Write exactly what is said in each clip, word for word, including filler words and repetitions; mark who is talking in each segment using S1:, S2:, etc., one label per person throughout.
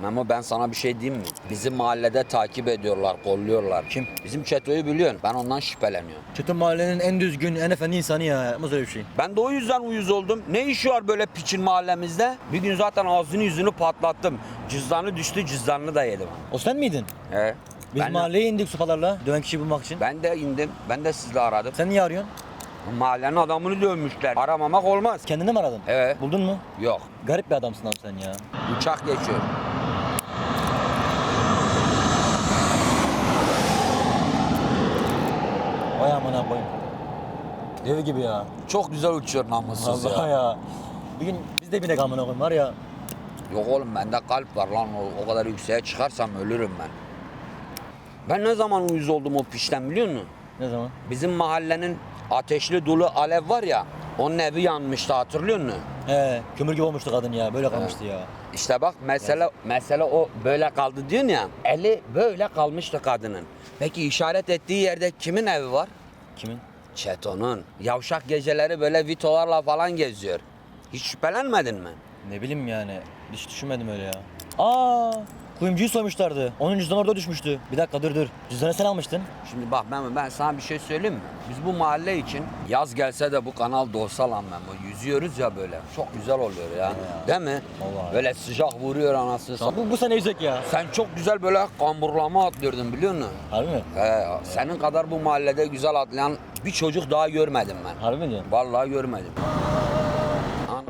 S1: Memo ben sana bir şey diyeyim mi? Bizim mahallede takip ediyorlar, kolluyorlar.
S2: Kim?
S1: Bizim Çeto'yu biliyorsun. Ben ondan şüpheleniyorum.
S2: Çetin mahallenin en düzgün, en efendi insanı ya. Yapmaz öyle bir şey.
S1: Ben de o yüzden uyuz oldum. Ne işi var böyle piçin mahallemizde? Bir gün zaten ağzını yüzünü patlattım. Cüzdanı düştü, cüzdanını da yedim.
S2: O sen miydin?
S1: He.
S2: Biz
S1: ben,
S2: mahalleye indik sopalarla döven kişiyi bulmak için.
S1: ben de indim. Ben de sizle aradım.
S2: Sen niye arıyorsun?
S1: Mahallenin adamını dövmüşler. Aramamak olmaz.
S2: Kendini mi aradın?
S1: Evet.
S2: Buldun mu?
S1: Yok.
S2: Garip bir adamsın abi sen ya.
S1: Uçak geçiyor.
S2: Vay amına koyayım. Dev gibi ya.
S1: Çok güzel uçuyor namussuz
S2: Allah
S1: ya.
S2: ya. Bir gün biz de binek amına koyayım var ya.
S1: Yok oğlum bende kalp var lan. O, o kadar yükseğe çıkarsam ölürüm ben. Ben ne zaman uyuz oldum o pişten biliyor musun?
S2: Ne zaman?
S1: Bizim mahallenin ateşli dolu alev var ya. Onun evi yanmıştı hatırlıyor musun?
S2: He, kömür gibi olmuştu kadın ya. Böyle kalmıştı ya.
S1: İşte bak mesele mesele o böyle kaldı diyorsun ya. Eli böyle kalmıştı kadının. Peki işaret ettiği yerde kimin evi var?
S2: Kimin?
S1: Çeto'nun. Yavşak geceleri böyle vitolarla falan geziyor. Hiç şüphelenmedin mi?
S2: Ne bileyim yani. Hiç düşünmedim öyle ya. Aa, kuyumcuyu soymuşlardı. Onun cüzdanı orada düşmüştü. Bir dakika dur dur. Cüzdanı sen almıştın.
S1: Şimdi bak Memo ben sana bir şey söyleyeyim mi? Biz bu mahalle için yaz gelse de bu kanal dolsa lan Memo. Yüzüyoruz ya böyle. Çok güzel oluyor ya.
S2: Ya.
S1: Değil mi?
S2: Vallahi.
S1: Böyle sıcak vuruyor anasını satayım.
S2: Bu, bu sene yüzek ya.
S1: Sen çok güzel böyle kamburlama atlıyordun biliyor musun?
S2: Harbi mi?
S1: He, senin kadar bu mahallede güzel atlayan bir çocuk daha görmedim ben.
S2: Harbi mi diyorsun?
S1: Vallahi görmedim. An-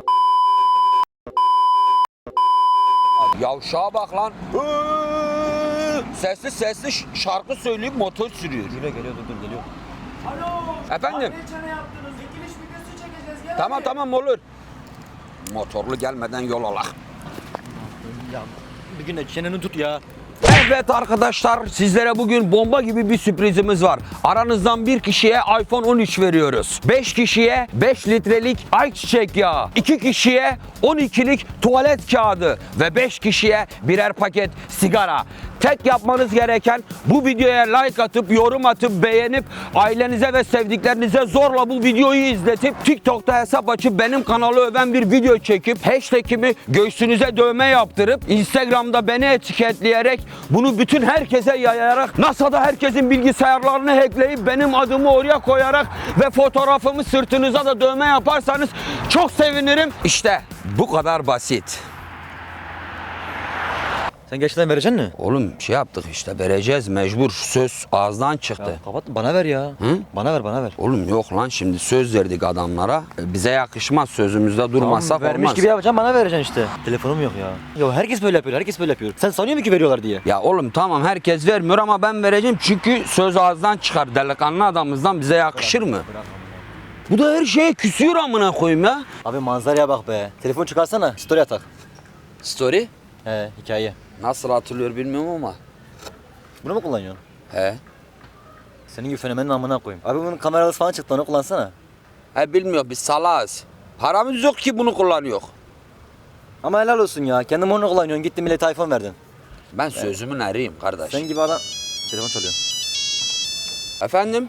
S1: Yavşağa bak lan. Sesli sesli ş- şarkı söyleyip motor sürüyor.
S2: Geliyor geliyor dur dur geliyor.
S3: Alo.
S1: Efendim?
S3: Abi çene yaptınız. Dikiliş videosu çekeceğiz. Gel
S1: Tamam
S3: hadi.
S1: tamam olur. Motorlu gelmeden yol alak.
S2: Ya bir gün de çeneni tut ya.
S1: Evet arkadaşlar sizlere bugün bomba gibi bir sürprizimiz var. Aranızdan bir kişiye iPhone on üç veriyoruz. beş kişiye beş litrelik ayçiçek yağı. iki kişiye on ikilik tuvalet kağıdı ve beş kişiye birer paket sigara. Tek yapmanız gereken bu videoya like atıp, yorum atıp, beğenip, ailenize ve sevdiklerinize zorla bu videoyu izletip, TikTok'ta hesap açıp benim kanalı öven bir video çekip, hashtag'imi göğsünüze dövme yaptırıp, Instagram'da beni etiketleyerek, bunu bütün herkese yayarak, NASA'da herkesin bilgisayarlarını hackleyip, benim adımı oraya koyarak ve fotoğrafımı sırtınıza da dövme yaparsanız çok sevinirim. İşte bu kadar basit.
S2: Sen gerçekten vereceksin mi?
S1: Oğlum şey yaptık işte vereceğiz mecbur söz ağızdan çıktı.
S2: Ya kapat bana ver ya.
S1: Hı?
S2: Bana ver bana ver.
S1: Oğlum yok lan şimdi söz verdik adamlara. E, Bize yakışmaz sözümüzde durmazsak
S2: Tamam, vermiş
S1: olmaz.
S2: gibi yapacağım bana vereceksin işte. Telefonum yok ya. Ya herkes böyle yapıyor herkes böyle yapıyor. Sen sanıyor musun ki veriyorlar diye?
S1: Ya oğlum tamam herkes vermiyor ama ben vereceğim çünkü söz ağızdan çıkar. Delikanlı adamımızdan bize yakışır mı? Bu da her şeye küsüyor amına koyayım ya.
S2: Abi manzaraya bak be. Telefon çıkarsana story atak.
S1: Story
S2: He hikaye.
S1: nasıl hatırlıyor bilmiyorum ama.
S2: Bunu mu kullanıyorsun?
S1: He.
S2: Senin gibi fenomenin amına koyayım. Abi bunun kameralısı falan çıktı onu kullansana.
S1: He bilmiyor biz salağız. Paramız yok ki bunu kullanıyor.
S2: Ama helal olsun ya. Kendin onu kullanıyorsun. Gittin millete iPhone verdin.
S1: Ben sözümün eriyim kardeş.
S2: Sen gibi adam... Telefon çalıyor.
S1: Efendim?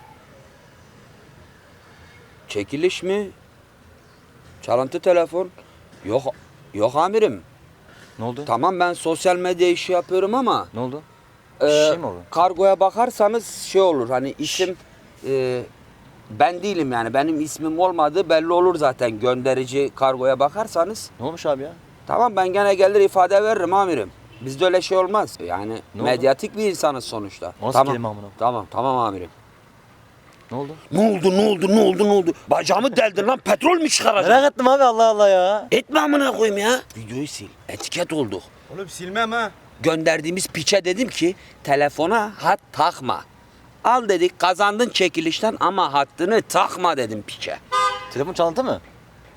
S1: Çekiliş mi? Çalıntı telefon? Yok, yok amirim.
S2: Ne oldu?
S1: Tamam ben sosyal medya işi yapıyorum ama
S2: Ne oldu?
S1: e,
S2: Bir şey mi oldu?
S1: kargoya bakarsanız şey olur hani isim e, ben değilim yani benim ismim olmadığı belli olur zaten gönderici kargoya bakarsanız.
S2: Ne olmuş abi ya?
S1: Tamam ben gene gelir ifade veririm amirim. Bizde öyle şey olmaz. Yani
S2: Ne
S1: medyatik bir insanız sonuçta.
S2: Nasıl
S1: tamam.
S2: kelime amına?
S1: Tamam tamam amirim.
S2: Ne oldu?
S1: Ne oldu ne oldu ne oldu ne oldu? Bacağımı deldin lan petrol mü çıkaracaksın?
S2: Merak ettim abi Allah Allah ya.
S1: Etme amına koyayım ya. Videoyu sil. Etiket olduk.
S3: Oğlum silmem ha.
S1: Gönderdiğimiz piçe dedim ki telefona hat takma. Al dedik kazandın çekilişten ama hattını takma dedim piçe.
S2: Telefon çalıntı mı?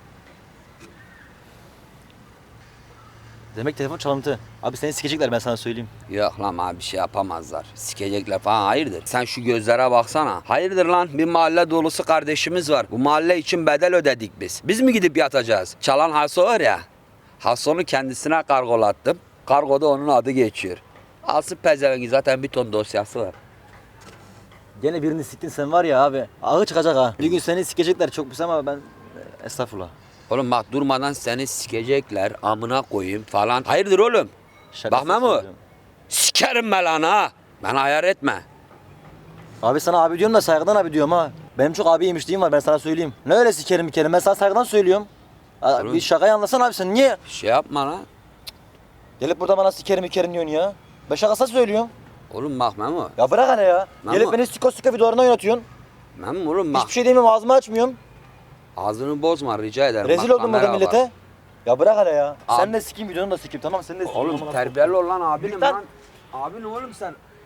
S2: Demek telefon çalıntı. Abi seni sikecekler ben sana söyleyeyim.
S1: Yok lan abi bir şey yapamazlar. Sikecekler falan hayırdır. Sen şu gözlere baksana. Hayırdır lan bir mahalle dolusu kardeşimiz var. Bu mahalle için bedel ödedik biz. Biz mi gidip yatacağız? Çalan Haso var ya. Haso'nu kendisine kargolattım. Kargoda onun adı geçiyor. Alsın pezevengi zaten bir ton dosyası var.
S2: Gene birini siktin sen var ya abi. Ağı çıkacak ha. Bir gün seni sikecekler çok pis ama ben... Estağfurullah.
S1: Oğlum bak durmadan seni sikecekler amına koyayım falan. Hayırdır oğlum?
S2: Şakasız
S1: Bak Memo.
S2: söylüyorum.
S1: Sikerim ben lan ha. Bana ayar etme.
S2: Abi sana abi diyorum da saygıdan abi diyorum ha. Benim çok abi yemişliğim var ben sana söyleyeyim. Ne öyle sikerim bir kere ben sana saygıdan söylüyorum. Aa,
S1: Oğlum.
S2: bir şakayı anlasana abi sen niye?
S1: Şey yapma lan.
S2: Gelip burada bana sikerim ikerim diyorsun ya. Ben şakasız söylüyorum.
S1: Oğlum bak Memo.
S2: Ya bırak hele ya.
S1: Memo.
S2: Gelip beni siko siko videolarına oynatıyorsun.
S1: Memo oğlum bak.
S2: Hiçbir şey demiyorum ağzımı açmıyorum.
S1: Ağzını bozma rica ederim.
S2: Rezil
S1: Bak,
S2: oldum burada
S1: kamera var.
S2: millete. Ya bırak hele ya.
S1: Abi-
S2: Sen de sikeyim videonu da sikeyim tamam sen de sikeyim.
S1: Oğlum
S2: Amına
S1: terbiyeli ol lan abinim
S2: Lütfen.
S1: lan. Abin oğlum sen.